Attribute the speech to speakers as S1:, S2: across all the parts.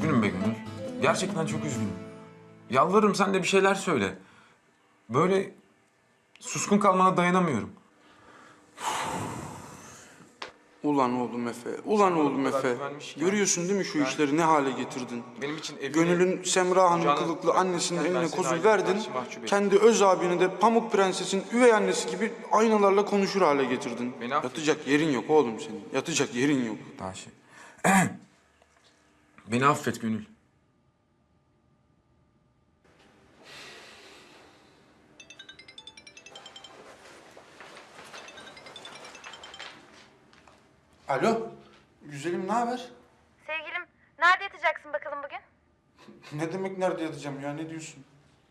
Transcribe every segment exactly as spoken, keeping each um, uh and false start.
S1: Üzgünüm be Gönül. Gerçekten çok üzgünüm. Yalvarırım sen de bir şeyler söyle. Böyle suskun kalmana dayanamıyorum.
S2: Ulan oğlum Efe, ulan oğlum Efe. Görüyorsun değil mi şu işleri ne hale getirdin?
S1: Benim için evine,
S2: Gönül'ün Semra Hanım
S1: Can'ın
S2: kılıklı annesinin
S1: ben
S2: eline
S1: seni
S2: kozu
S1: aileme
S2: verdin.
S1: karşı mahcup ettim.
S2: Kendi öz abini de Pamuk Prenses'in üvey annesi gibi aynalarla konuşur hale getirdin.
S1: Beni affet.
S2: Yatacak yerin yok oğlum senin. Yatacak yerin yok.
S1: Daha şey. Beni affet Gönül.
S2: Alo, güzelim ne haber?
S3: Sevgilim, nerede yatacaksın bakalım bugün?
S2: Ne demek nerede yatacağım ya, ne diyorsun?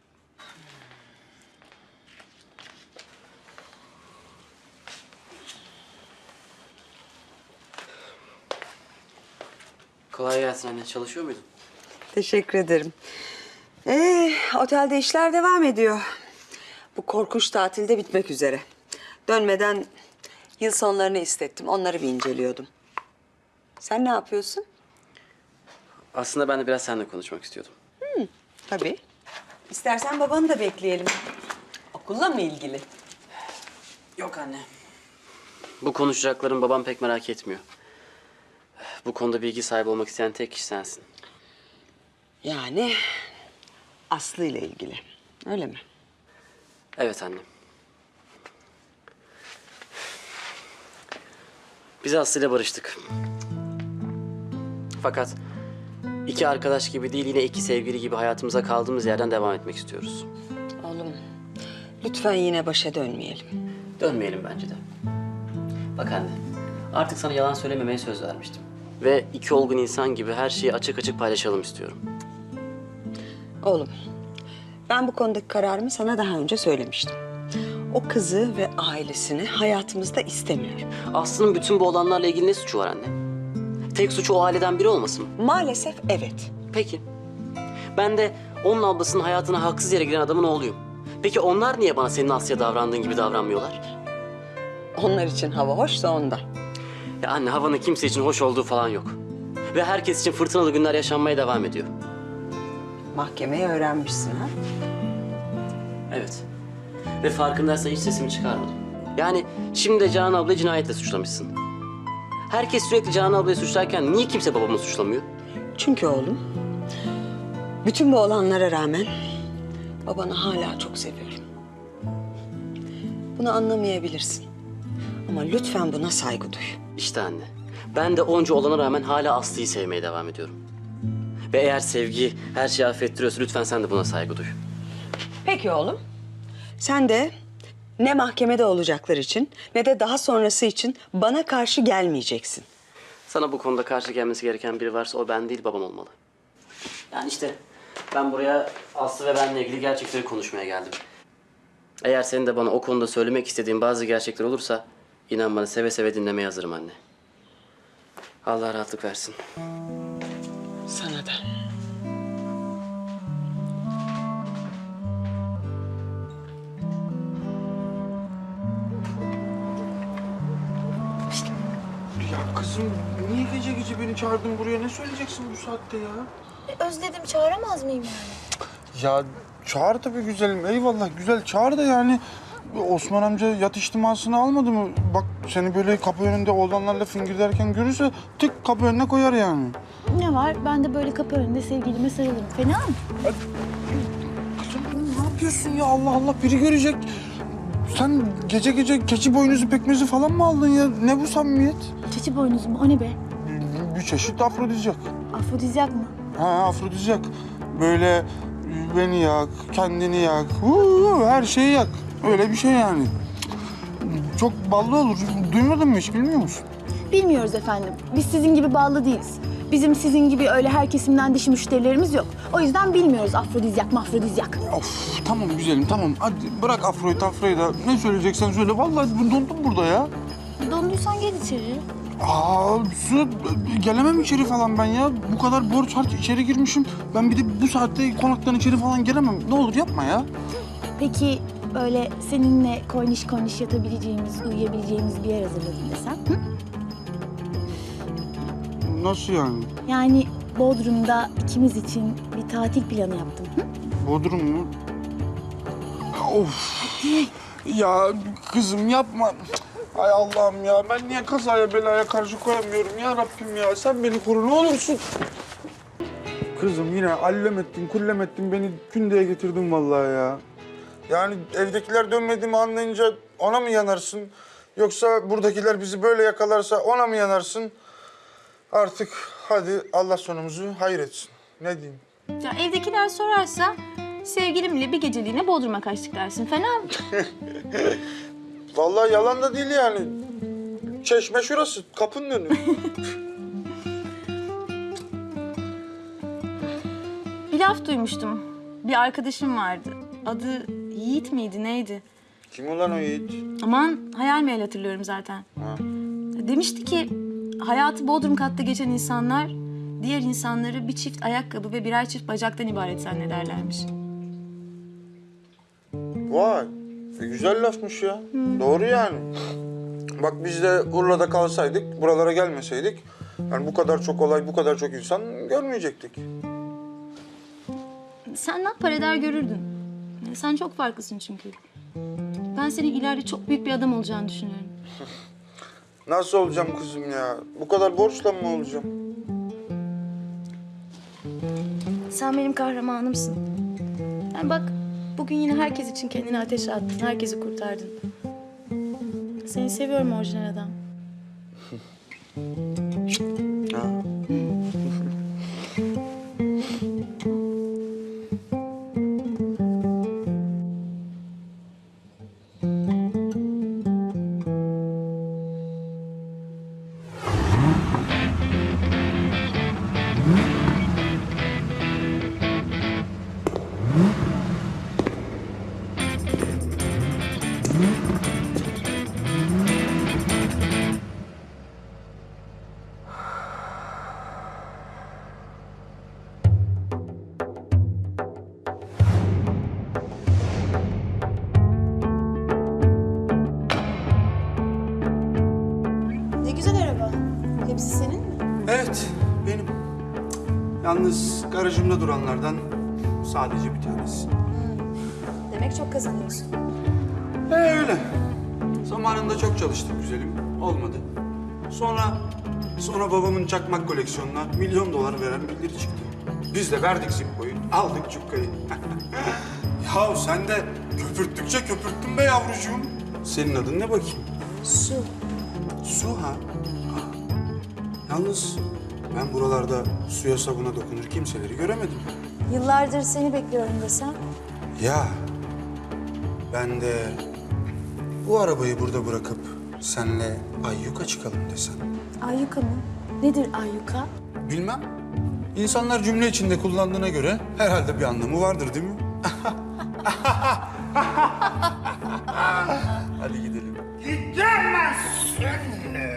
S4: Kolay gelsin anne. Çalışıyor muydun?
S5: Teşekkür ederim. Ee, otelde işler devam ediyor. Bu korkunç tatilde bitmek üzere. Dönmeden yıl sonlarını istettim. Onları bir inceliyordum. Sen ne yapıyorsun?
S4: Aslında ben de biraz seninle konuşmak istiyordum.
S5: Tabii. İstersen babanı da bekleyelim. Okulla mı ilgili?
S4: Yok anne. Bu konuşacaklarım babam pek merak etmiyor. Bu konuda bilgi sahibi olmak isteyen tek kişi sensin.
S5: Yani Aslı ile ilgili. Öyle mi?
S4: Evet anne. Biz Aslı ile barıştık. Fakat iki arkadaş gibi değil yine iki sevgili gibi hayatımıza kaldığımız yerden devam etmek istiyoruz.
S5: Oğlum, lütfen yine başa dönmeyelim.
S4: Dönmeyelim bence de. Bak anne, artık sana yalan söylememeye söz vermiştim. Ve iki olgun insan gibi her şeyi açık açık paylaşalım istiyorum.
S5: Oğlum, ben bu konudaki kararımı sana daha önce söylemiştim. O kızı ve ailesini hayatımızda istemiyorum.
S4: Aslı'nın bütün bu olanlarla ilgili ne suçu var anne? Tek suçu o aileden biri olmasın mı?
S5: Maalesef evet.
S4: Peki. Ben de onun ablasının hayatına haksız yere giren adamın oğluyum. Peki onlar niye bana senin Aslı'ya davrandığın gibi davranmıyorlar?
S5: Onlar için hava hoşsa ondan.
S4: Ya anne havanın kimse için hoş olduğu falan yok. Ve herkes için fırtınalı günler yaşanmaya devam ediyor.
S5: Mahkemeyi öğrenmişsin ha?
S4: Evet. Ve farkındaysan hiç sesimi çıkarmadım. Yani şimdi de Canan ablayı cinayetle suçlamışsın. Herkes sürekli Canan ablayı suçlarken niye kimse babamı suçlamıyor?
S5: Çünkü oğlum, bütün bu olanlara rağmen babanı hala çok seviyorum. Bunu anlamayabilirsin. Ama lütfen buna saygı duy.
S4: İşte anne. Ben de onca olana rağmen hala Aslı'yı sevmeye devam ediyorum. Ve eğer sevgi her şeyi affettiriyorsa lütfen sen de buna saygı duy.
S5: Peki oğlum. Sen de ne mahkemede olacaklar için ne de daha sonrası için bana karşı gelmeyeceksin.
S4: Sana bu konuda karşı gelmesi gereken biri varsa o ben değil babam olmalı. Yani işte ben buraya Aslı ve benle ilgili gerçekleri konuşmaya geldim. Eğer senin de bana o konuda söylemek istediğin bazı gerçekler olursa inan bana seve seve dinlemeye hazırım anne. Allah rahatlık versin.
S5: Sana da.
S2: Ya kızım niye gece gece beni çağırdın buraya? Ne söyleyeceksin bu saatte ya?
S3: E, özledim, çağıramaz mıyım yani?
S2: Ya çağır tabii güzelim. Eyvallah güzel çağır da yani Osman amca yat içtimasını almadı mı? Bak seni böyle kapı önünde oğlanlarla fingirderken görürse tık kapı önüne koyar yani.
S6: Ne var? Ben de böyle kapı önünde sevgilime sarılırım. Fena mı?
S2: Kızım ne yapıyorsun ya Allah Allah biri görecek. Sen gece gece keçi boynuzu pekmezi falan mı aldın ya? Ne bu samimiyet?
S6: Çeçi boynuzu mu? O ne be?
S2: Bir çeşit afrodizyak.
S6: Afrodizyak mı?
S2: Ha afrodizyak. Böyle beni yak, kendini yak, huu, her şeyi yak. Öyle bir şey yani. Çok ballı olur. Duymadın mı hiç bilmiyor musun?
S6: Bilmiyoruz efendim. Biz sizin gibi bağlı değiliz. Bizim sizin gibi öyle her kesimden dişi müşterilerimiz yok. O yüzden bilmiyoruz afrodizyak mafrodizyak.
S2: Of tamam güzelim tamam. Hadi bırak afroyu tafroyu da ne söyleyeceksen söyle. Vallahi dondum burada ya.
S6: Donduysan gel içeri.
S2: Aa su gelemem içeri falan ben ya. Bu kadar borç harç içeri girmişim. Ben bir de bu saatte konaktan içeri falan gelemem. Ne olur yapma ya.
S6: Peki böyle seninle koyniş koyniş yatabileceğimiz, uyuyabileceğimiz bir yer hazırladım desem. Hı?
S2: Nasıl yani?
S6: Yani Bodrum'da ikimiz için bir tatil planı yaptım. Hı?
S2: Bodrum mu? Of. Ya kızım yapma. Ay Allah'ım ya, ben niye kazaya belaya karşı koyamıyorum ya Rabbim ya. Sen beni koru ne olursun. Kızım yine allem ettin, kullem ettin, beni kündeye getirdin vallahi ya. Yani evdekiler dönmediğimi anlayınca ona mı yanarsın? Yoksa buradakiler bizi böyle yakalarsa ona mı yanarsın? Artık hadi Allah sonumuzu hayır etsin. Ne diyeyim?
S7: Ya evdekiler sorarsa sevgilimle bir geceliğine Bodrum'a kaçtık dersin. Fena mı?
S2: Vallahi yalan da değil yani. Çeşme şurası, kapının önü.
S7: Bir laf duymuştum. Bir arkadaşım vardı. Adı Yiğit miydi neydi?
S2: Kim ulan o Yiğit?
S7: Aman hayal meyal hatırlıyorum zaten.
S2: Ha.
S7: Demişti ki hayatı Bodrum katta geçen insanlar diğer insanları bir çift ayakkabı ve birer çift bacaktan ibaret zannederlermiş.
S2: Vay, e, güzel lafmış ya. Doğru yani. Bak biz de Urla'da kalsaydık, buralara gelmeseydik... yani bu kadar çok olay, bu kadar çok insan görmeyecektik.
S7: Sen ne yapar eder görürdün. Yani sen çok farklısın çünkü. Ben senin ileride çok büyük bir adam olacağını düşünüyorum.
S2: Nasıl olacağım kızım ya? Bu kadar borçla mı olacağım?
S6: Sen benim kahramanımsın. Yani bak bugün yine herkes için kendini ateşe attın. Herkesi kurtardın. Seni seviyorum orijinal adam.
S2: Ha.
S6: Ne güzel araba. Hepsi senin mi?
S2: Evet, benim. Yalnız garajımda duranlardan sadece bir tanesi.
S6: Demek çok kazanıyorsun.
S2: Ee, öyle. Zamanında çok çalıştık güzelim. Olmadı. Sonra, sonra babamın çakmak koleksiyonuna milyon dolar veren birileri çıktı. Biz de verdik Zippo'yu, aldık cukkayı. Yahu sen de köpürttükçe köpürttün be yavrucuğum. Senin adın ne bakayım?
S6: Su.
S2: Su ha? Aa. Yalnız ben buralarda suya sabuna dokunur kimseleri göremedim.
S6: Yıllardır seni bekliyorum desem.
S2: Ya ben de bu arabayı burada bırakıp senle Ayyuka çıkalım desem.
S6: Ayyuka mı? Nedir Ayyuka?
S2: Bilmem. İnsanlar cümle içinde kullandığına göre herhalde bir anlamı vardır değil mi? Hadi gidelim.
S8: Gidemezsin.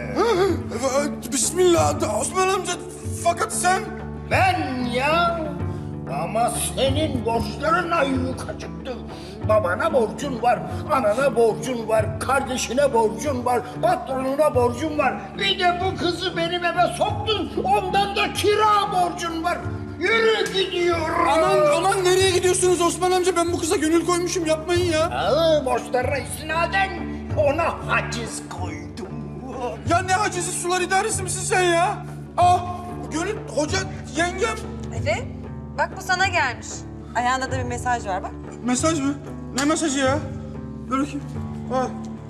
S2: Bismillah Osman amca. Fakat sen...
S8: Ben ya. Ama senin borçların ayyuka çıktı. Babana borcun var, anana borcun var, kardeşine borcun var, patronuna borcun var. Bir de bu kızı benim eve soktun, ondan da kira borcun var. Yürü gidiyorum.
S2: Aman aman nereye gidiyorsunuz Osman amca? Ben bu kıza gönül koymuşum yapmayın ya.
S8: Aa, borçlarına istinaden ona haciz koydum.
S2: Ya ne hacizi sular idaresi misin sen ya? Ah Gönül hoca yengem.
S5: Efe, bak bu sana gelmiş. Ayağında da bir mesaj var bak.
S2: Mesaj mı? Ne mesajı ya? Ver bakayım. Al.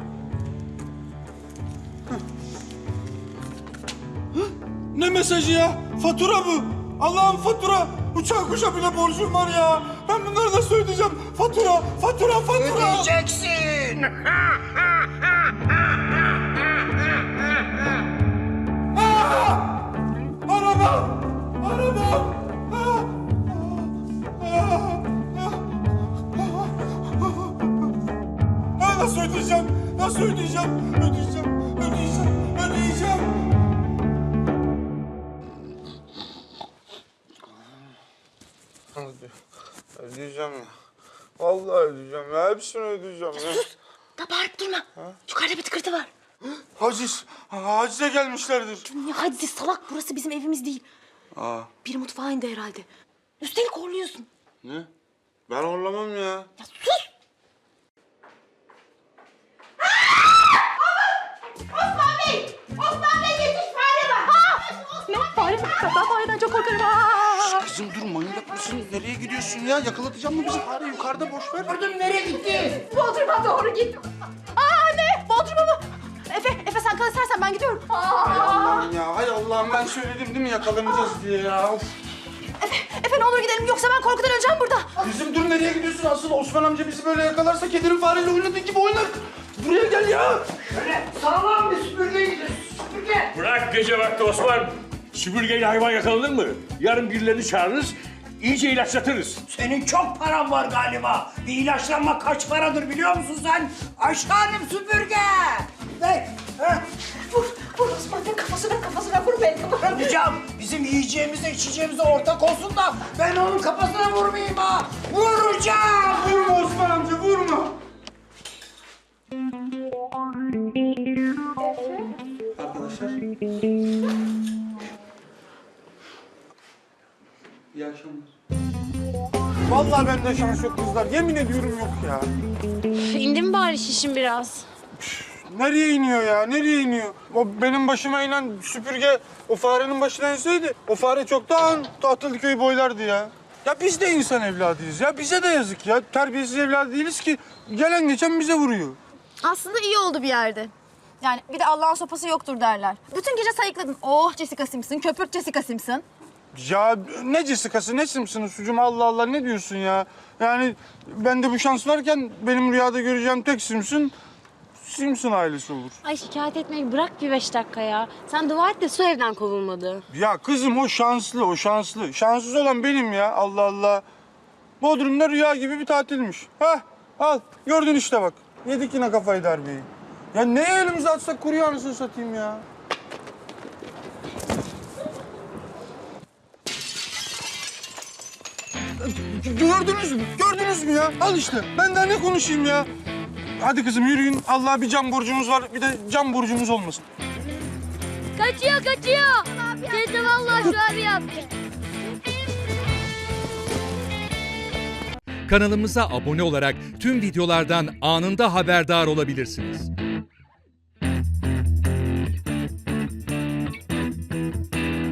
S2: Hah. Hah, ne mesajı ya? Fatura bu. Allah'ım fatura. Uçak kuşa bile borcum var ya. Ben bunları nasıl ödeyeceğim? Fatura, fatura, fatura.
S8: Ödeyeceksin.
S2: Aa! Arabam! Arabam! Aa! Aa! Aa, nasıl ödeyeceğim? Nasıl ödeyeceğim? Ödeyeceğim, ödeyeceğim, ödeyeceğim. Ödeyeceğim ya. Vallahi ödeyeceğim ya. Hepsini ödeyeceğim ya.
S6: Da bağırıp durma. Yukarıda bir tıkırtı var.
S2: Haciz. Hacize gelmişlerdir.
S6: Ya hadi salak burası bizim evimiz değil.
S2: Aa,
S6: Biri mutfağa indi herhalde. Üstelik horluyorsun.
S2: ne? Ben horlamam ya.
S6: Ya sus! Osman Bey! Osman Bey yetiş fare var! Ne? Fare mi? Ben fareden çok korkarım. Aa!
S2: Kızım dur, manyak mısın? Nereye gidiyorsun ya? Yakalatacak mı bizi fare? Yukarıda boş ver.
S8: Gördün nereye gitti?
S6: Bodrum'a doğru git. Aa ne? Bodrum'a mı? Efe, Efe sen kal istersen ben gidiyorum.
S2: Hay
S6: Aa!
S2: Allah'ım ya, hay Allah'ım, ben söyledim değil mi yakalanacağız diye ya. Of.
S6: Efe, Efe ne olur gidelim yoksa ben korkudan öleceğim burada.
S2: Kızım dur, nereye gidiyorsun? Asıl Osman amca bizi böyle yakalarsa kedirin fareyle oynadığı gibi oynar. Buraya gel ya.
S8: Şöyle sağlam bir süpürge gidiyorsun. Süpürge.
S9: Bırak gece vakti Osman. Süpürgeyle hayvan yakalanır mı? Yarın birilerini çağırırız, iyice ilaçlatırız.
S8: Senin çok paran var galiba. Bir ilaçlanma kaç paradır biliyor musun sen? Aşağınım süpürge. Ver. Ha?
S6: Vur, vur Osman Bey kafasına kafasına vur beni kafasına.
S8: Vuracağım. Bizim yiyeceğimize içeceğimize ortak olsun da ben onun kafasına vurmayayım ha. Vuracağım.
S2: Vurma Osman amca, vurma. Arkadaşlar. İyi akşamlar. Vallahi bende şans yok kızlar. Yemin ediyorum yok ya.
S7: İndi mi bari şişin biraz?
S2: Nereye iniyor ya? Nereye iniyor? O benim başıma inen süpürge o farenin başına inseydi o fare çoktan Tahtalıköy'ü boylardı ya. Ya biz de insan evladıyız ya. Bize de yazık ya. Terbiyesiz evladı değiliz ki. Gelen geçen bize vuruyor.
S6: Aslında iyi oldu bir yerde. Yani bir de Allah'ın sopası yoktur derler. Bütün gece sayıkladın. Oh Jessica Simpson, köpürt Jessica Simpson.
S2: Ya ne Jessica'sı ne Simpson'ı sucum, Allah Allah, ne diyorsun ya? Yani bende bu şans varken benim rüyada göreceğim tek Simpson, Simpson ailesi olur.
S7: Ay şikayet etmeyi bırak bir beş dakika ya. Sen dua et de su evden kovulmadı.
S2: Ya kızım o şanslı, o şanslı. Şanssız olan benim ya, Allah Allah. Bodrum'da rüya gibi bir tatilmiş. Hah, al. Gördün işte bak. Yedik yine kafayı darbeyi. Ya neye elimize atsak kuruyor anasını satayım ya. Gördünüz mü? Gördünüz mü ya? Al işte. Ben daha ne konuşayım ya? Hadi kızım yürüyün. Allah'a bir can borcumuz var. Bir de can borcumuz olmasın.
S7: Kaçıyor kaçıyor. Teyze vallahi şu abi yaptı.
S10: Kanalımıza abone olarak tüm videolardan anında haberdar olabilirsiniz.